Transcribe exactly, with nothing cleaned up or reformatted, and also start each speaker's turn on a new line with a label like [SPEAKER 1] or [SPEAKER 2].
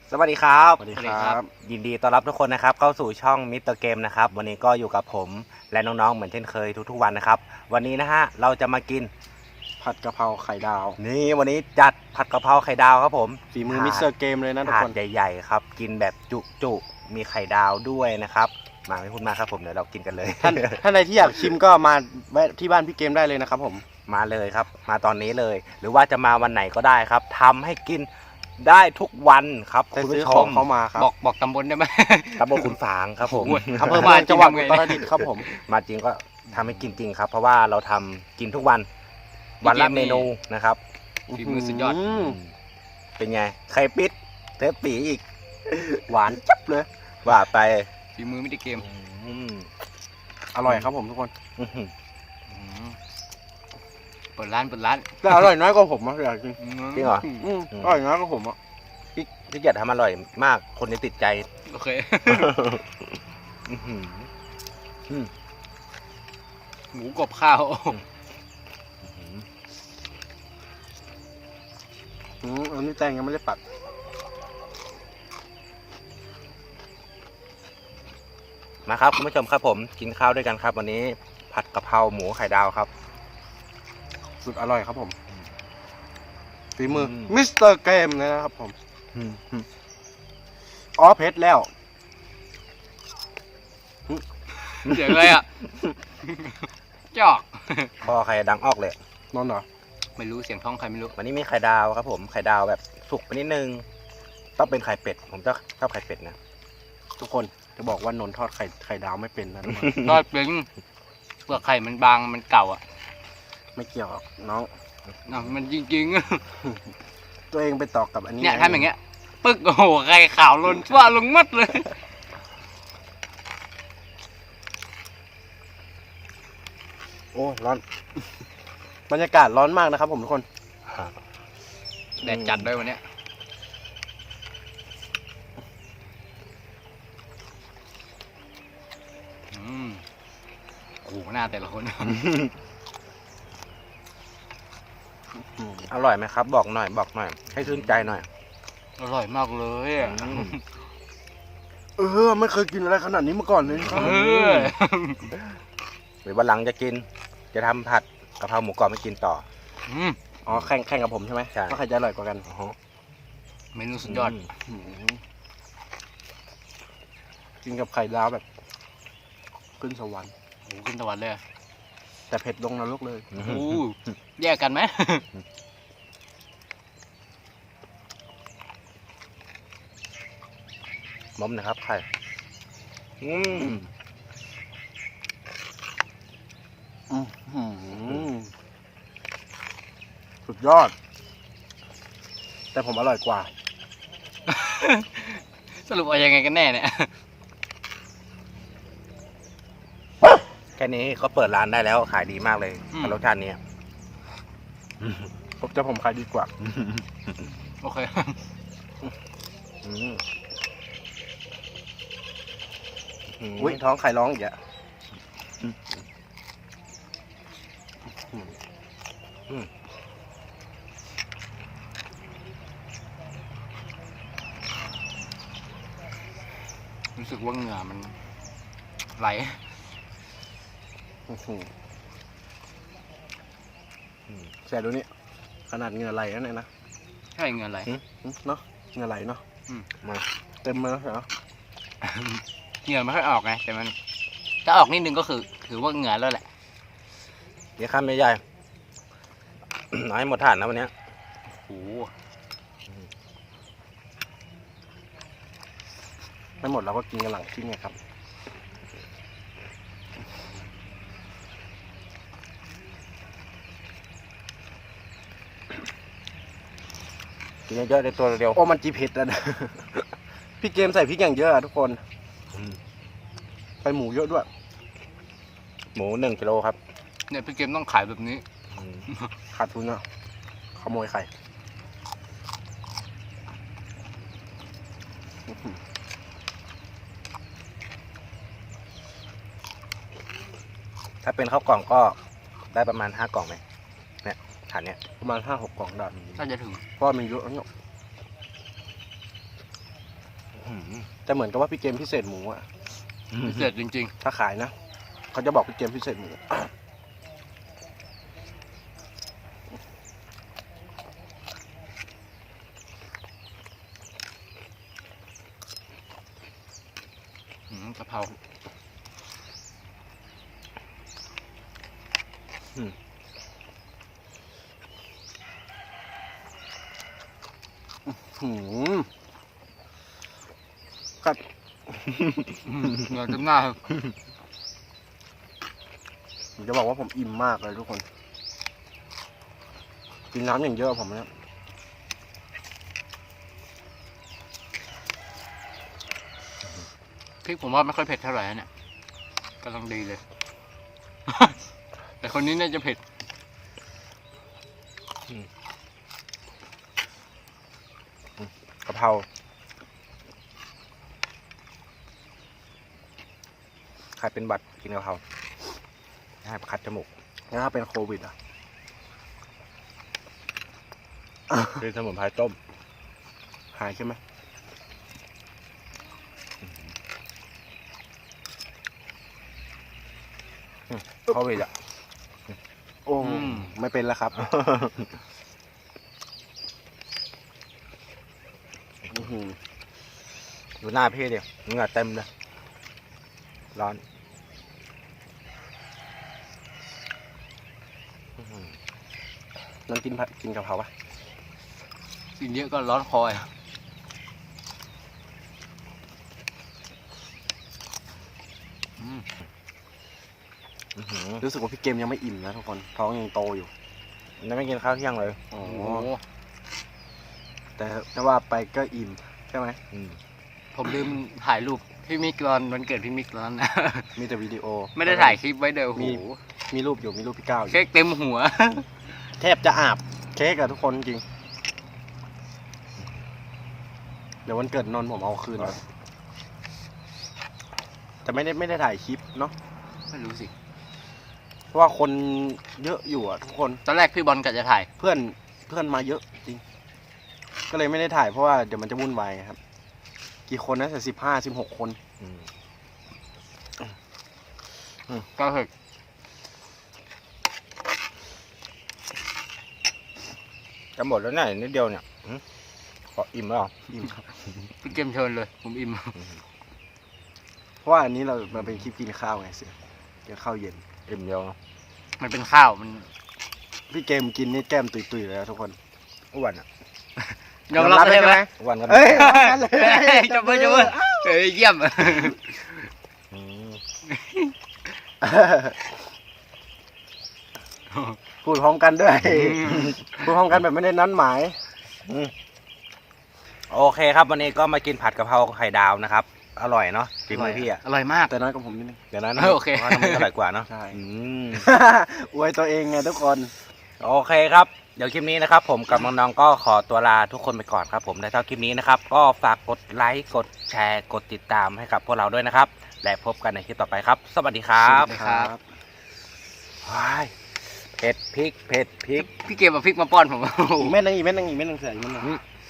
[SPEAKER 1] สวัสดีครับ
[SPEAKER 2] สวัสดีครับ
[SPEAKER 1] ยินดีต้อนรับทุกคนนะครับเข้าสู่ช่องมิสเตอร์เกมนะครับวันนี้ก็อยู่กับผมและน้องๆเหมือนเช่นเคยทุกๆวันนะครับวันนี้นะฮะเราจะมากิน
[SPEAKER 2] ผัดกะเพราไข่ดาว
[SPEAKER 1] นี่วันนี้จัดผัดกะเพราไข่ดาวครับผม
[SPEAKER 2] ฝีมือมิสเตอร์เกมเลยนะทุก
[SPEAKER 1] ถา
[SPEAKER 2] ค
[SPEAKER 1] ด
[SPEAKER 2] น
[SPEAKER 1] ใหญ่ๆครับกินแบบจุๆมีไข่ดาวด้วยนะครับมาไม่พูดมากครับผมเดี๋ยวเรากินกันเลย
[SPEAKER 2] ท่านท่านใดที่อยากชิมก็มาแวะที่บ้านพี่เกมได้เลยนะครับผม
[SPEAKER 1] มาเลยครับมาตอนนี้เลย หรือว่าจะมาวันไหนก็ได้ครับทำให้กินได้ทุกวันครับ
[SPEAKER 2] แต่
[SPEAKER 1] คุณ
[SPEAKER 2] ซื้อ
[SPEAKER 1] ผู้ช
[SPEAKER 2] ของ
[SPEAKER 1] ม
[SPEAKER 2] เข้ามาครับ
[SPEAKER 3] บอกบอกตำบลได้ไหม
[SPEAKER 1] ตำบลขุนฝางครับผม
[SPEAKER 2] อำเภอเมืองจังหวัดอุตรดิตถ์ครับผม
[SPEAKER 1] มาจริงก็ทำให้กินจริงครับ เพราะว่าเราทำกินทุกวัน วันละเมนูนะครับ
[SPEAKER 3] ฝีมือสุดยอด
[SPEAKER 2] ม
[SPEAKER 1] เป็นไงไข่ปิดเทปปีอีก
[SPEAKER 2] หวานจับเลย
[SPEAKER 1] ว่าไป
[SPEAKER 3] ฝีมือไม่ได้เกม
[SPEAKER 1] อืม
[SPEAKER 2] อร่อยครับผมทุกคน
[SPEAKER 1] อื้อหือ
[SPEAKER 3] อืมเปิดร้านเปิดร้าน
[SPEAKER 2] แต่อร่อยน้อยกว่าผมอะอยากกิน
[SPEAKER 1] จริงเหรอ
[SPEAKER 2] อืมอร่อยน้อยกว่าผมอะ
[SPEAKER 1] พี่พี่เกียรติทำอร่อยมากคนนี้ติดใจ
[SPEAKER 3] โอเค
[SPEAKER 1] อื้อหืออืม
[SPEAKER 3] หมูกรอบข้าว
[SPEAKER 2] อืมอันนี้แตงยังไม่ได้ปัด
[SPEAKER 1] มาครับคุณผู้ชมครับผมกินข้าวด้วยกันครับ วันนี้ผัดกะเพราหมูไข่ดาวครับ
[SPEAKER 2] สุดอร่อยครับผมฝีมืออ
[SPEAKER 1] ม
[SPEAKER 2] มิสเตอร์เกมนะครับผม
[SPEAKER 1] อืมอืม
[SPEAKER 2] อ๋อเพชรแล้ว
[SPEAKER 3] เสียงอะไรอ่ะ จอก
[SPEAKER 1] คอไข่ดังออกเลย
[SPEAKER 2] นอนเหรอ
[SPEAKER 3] ไม่รู้เสียงท้องใครไม่รู้
[SPEAKER 1] วันนี้มีไข่ดาวครับผมไข่ดาวแบบสุกไปนิดนึงต้องเป็นไข่เป็ดผมจะชอบไข่เป็ดนะ
[SPEAKER 2] ทุกคนจะบอกว่านนท์ทอดไข่ไข่ดาวไม่เป็นนะทุกคน
[SPEAKER 3] ทอดเป็นเปลือกไข่มันบางมันเก่าอ่ะ
[SPEAKER 2] ไม่เกี่ยวหรอกน้อง
[SPEAKER 3] อ่ะมันจริง
[SPEAKER 2] ตัวเองไปตอกกับอัน
[SPEAKER 3] ๆ
[SPEAKER 2] นี้
[SPEAKER 3] เนี่ยทำอย่างเงี้ยปึ๊กโอ้โหไข่ขาวล้นทั่วลงหมัดเลย
[SPEAKER 2] โอ้ร้อน บรรยากาศร้อนมากนะครับผมทุกคน
[SPEAKER 3] แดดจัดด้วยวันเนี้ยอืมโอ้โหหน้าแต่ละคน
[SPEAKER 1] อร่อยไหมครับ บอกหน่อยบอกหน่อย ให้ชื่นใจหน่อย
[SPEAKER 3] อร่อยมากเลยอ่ะ
[SPEAKER 1] อืม
[SPEAKER 2] เออไม่เคยกินอะไรขนาดนี้มาก่อนเลยครับ
[SPEAKER 3] เออ
[SPEAKER 1] หรือวันหลังจะกิน จะทำผัดกะเพราหมูกรอบให้กินต่อ
[SPEAKER 3] อืม
[SPEAKER 2] อ๋อแข่งแข่งกับผมใช่ไหม
[SPEAKER 1] ใช่
[SPEAKER 2] ว่าใครจะอร่อยกว่ากัน
[SPEAKER 1] โอ้โห
[SPEAKER 3] เมนูสุดยอด
[SPEAKER 1] ม
[SPEAKER 2] อืมกินกับไข่ดาวแบบขึ้นสวรรค์
[SPEAKER 3] โอ้โหขึ้นตะวันเลยอะ
[SPEAKER 2] แต่เผ็ดลงนรกเลย
[SPEAKER 1] อื
[SPEAKER 3] โอ้
[SPEAKER 1] ม
[SPEAKER 3] โหแยกกันไหม
[SPEAKER 1] มอมนะครับไข่อืม
[SPEAKER 2] อื้อหือสุดยอด แต่ผมอร่อยกว่า
[SPEAKER 3] สรุปเอายังไงกันแน่เนี่ย
[SPEAKER 1] แค่นี้ก็เปิดร้านได้แล้วขายดีมากเลย
[SPEAKER 3] อืม
[SPEAKER 1] กับรสชาตินี้
[SPEAKER 2] ผมจะผมขายดีกว่า
[SPEAKER 3] โอเค
[SPEAKER 1] อืม
[SPEAKER 2] อุ้ยท้องไข่ร้องอีกอะ
[SPEAKER 3] รู้สึกว่าเหงื่อมันไหล
[SPEAKER 2] อื้อหือแสบดูนี่ขนาดเหงื่อไหลแล้วเนี่ยนะ
[SPEAKER 3] ใช่เหงื่อไหล
[SPEAKER 2] อืมเนาะเหงื่อไหลเนาะ
[SPEAKER 3] อืม
[SPEAKER 1] มา
[SPEAKER 2] เต็มเลยเหรอ
[SPEAKER 3] เหงื่อไม่ค่อยออกไงแต่มันถ้าออกนิดนึงก็คือถือว่าเหงื่อแล้วแหละ
[SPEAKER 1] เดี๋ยวข้ามไม่ใหญ่ น้อยหมดถาดนะวันเนี้ย
[SPEAKER 3] โอ้โห
[SPEAKER 2] ไม่หมดเราก็กินกันหลังทิ้งไงครับ
[SPEAKER 1] กินเยอะๆในตัวเดียว
[SPEAKER 2] โอ้มันจีเผ็ดอะนะ พี่เกมใส่พริกอย่างเยอะอะทุกคน
[SPEAKER 1] อืม
[SPEAKER 2] ไปหมูเยอะด้วย
[SPEAKER 1] หมูหนึ่งกิโลครับ
[SPEAKER 3] เนี่ยพี่เกมต้องขายแบบนี้
[SPEAKER 1] อืม
[SPEAKER 2] ขาดทุนอะขโมยไข่
[SPEAKER 1] ถ้าเป็นข้าวกล่องก็ได้ประมาณห้ากล่องไหมเนี่ยถาดเนี้ย
[SPEAKER 2] ประมาณห้าหกกล่องได้
[SPEAKER 3] น่าจะถึง
[SPEAKER 2] เพราะว่ามันเยอะเนาะหือแต่เหมือนกับว่าพี่เกมพิเศษหมูอ่ะ
[SPEAKER 3] พิเศษจริง
[SPEAKER 2] ถ้าขายนะเขาจะบอกพี่เกมพิเศษหมู
[SPEAKER 3] ๆอืมกะเพรา
[SPEAKER 2] หืมกัด
[SPEAKER 3] อืมเหงื่อเต็มหน้าครับ
[SPEAKER 2] ผมจะบอกว่าผมอิ่มมากเลยทุกคน กินน้ำอย่างเยอะผมเนี่ย
[SPEAKER 3] พริกผมว่าไม่ค่อยเผ็ดเท่าไหร่นะเนี่ยกำลังดีเลย แต่คนนี้น่าจะเผ็ด
[SPEAKER 1] กะเพราใครเป็นบัตรกินกะเพราให้คัดจมูก
[SPEAKER 2] งั้นถ้าเป็นโควิดอ่ะ
[SPEAKER 1] เป็นสมุนไพรต้ม
[SPEAKER 2] หายใช่ไหม
[SPEAKER 1] โควิดอ่ะ
[SPEAKER 2] โอ้
[SPEAKER 3] อืม
[SPEAKER 2] ไม่เป็นแล้วครับ อื้อหือ
[SPEAKER 1] ดูหน้าพี่ดิเหงื่อเต็มเลย ร้อนอื้อหือ
[SPEAKER 2] นั่นกินผัดกินกะเพราปะ
[SPEAKER 3] กินเยอะก็ร้อนคออ่ะ อืม
[SPEAKER 1] อื้อหือ
[SPEAKER 2] รู้สึกว่าพี่เกมยังไม่อิ่มนะทุกคน ท้องยังโตอยู่
[SPEAKER 1] ยังไม่กินข้าวเที่ยงเลย
[SPEAKER 2] อ๋อ
[SPEAKER 3] โอ้โห
[SPEAKER 2] แต่ถ้าว่าไปก็อิ่มใช่ไหม
[SPEAKER 1] อืม
[SPEAKER 3] ผมลืมถ่ายรูปพี่มิกตอนวันเกิดพี่มิกตอนนั้นนะ
[SPEAKER 2] มีแต่วิดีโอ
[SPEAKER 3] ไม่ได้ถ่ายคลิปไว้เด้อโอ้โห
[SPEAKER 2] มี มีรูปอยู่ มีรูปพี่ก้าวอยู่
[SPEAKER 3] เค้กเต็มหัว
[SPEAKER 2] แทบจะอาบเค้กอะทุกคนจริง เดี๋ยววันเกิดนนท์ผมเอาคืนนะแต่ไม่ได้ไม่ได้ถ่ายคลิปเนาะ
[SPEAKER 3] ไม่รู้สิ
[SPEAKER 2] เพราะว่าคนเยอะอยู่อะทุกคน
[SPEAKER 3] ตอนแรกพี่บอลกะจะถ่าย
[SPEAKER 2] เพื่อนเพื่อนมาเยอะจริง ก็เลยไม่ได้ถ่ายเพราะว่าเดี๋ยวมันจะวุ่นวายไงครับ กี่คนนะแต่สิบห้าสิบหกคน
[SPEAKER 1] อืม
[SPEAKER 3] ก็คือ
[SPEAKER 1] จะหมดแล้วเนี่ยนิดเดียวเนี่ยหืมขออิ่มแล้วเหรอ
[SPEAKER 2] อิ่มครับ
[SPEAKER 3] พี่เกมเชิญเลย ผมอิ่ม
[SPEAKER 2] เพราะว่าอันนี้เรามันเป็นคลิปกินข้าวไงเสือกินข้าวเย็น
[SPEAKER 1] อิ่มเดียวเนอะ
[SPEAKER 3] มันเป็นข้าวมัน
[SPEAKER 2] พี่เกมกินนี่แก้มตุยๆเลยนะทุกคน
[SPEAKER 1] อ้วนอ่ะ
[SPEAKER 3] ยอมรับได้ไหม
[SPEAKER 1] อ้วนกัน
[SPEAKER 2] เอ้ย
[SPEAKER 3] จับมือจับมือเฮ้ยเยี่ยม
[SPEAKER 1] อืม
[SPEAKER 2] พูดพร้อมกันด้วย พูดพร้อมกันแบบไม่ได้นัดหมาย
[SPEAKER 1] โอเคครับ วันนี้ก็มากินผัดกะเพราไข่ดาวนะครับ อร่อยเนาะฝีมือพี่อ่ะ
[SPEAKER 3] อร่อยมาก
[SPEAKER 2] แต่น้อยกว่าผมนิดนึง
[SPEAKER 1] เดี๋ยวนั้น
[SPEAKER 3] เออโอเค
[SPEAKER 1] พราะว่าน้ำมันอร่อยกว่าเนาะ
[SPEAKER 2] ใช่
[SPEAKER 1] อืม
[SPEAKER 2] อวยตัวเองไงทุกคน
[SPEAKER 1] โอเคครับ เดี๋ยวคลิปนี้นะครับ ผมกับน้องๆก็ขอตัวลาทุกคนไปก่อนครับผมในเท่าคลิปนี้นะครับ ก็ฝากกดไลค์กดแชร์กดติดตามให้กับพวกเราด้วยนะครับ และพบกันในคลิปต่อไปครับ สวัสดีครับ
[SPEAKER 3] สวัสดีครับ
[SPEAKER 1] ว้ายเผ็ดพริกเผ็ดพริก
[SPEAKER 3] พี่เกมเอาพริกมาป้อนผม
[SPEAKER 2] อีกเม็ดนึงอีกเม็ดนึงอีกเม็ดนึงเสืออีกเม็ดนึง
[SPEAKER 1] อืม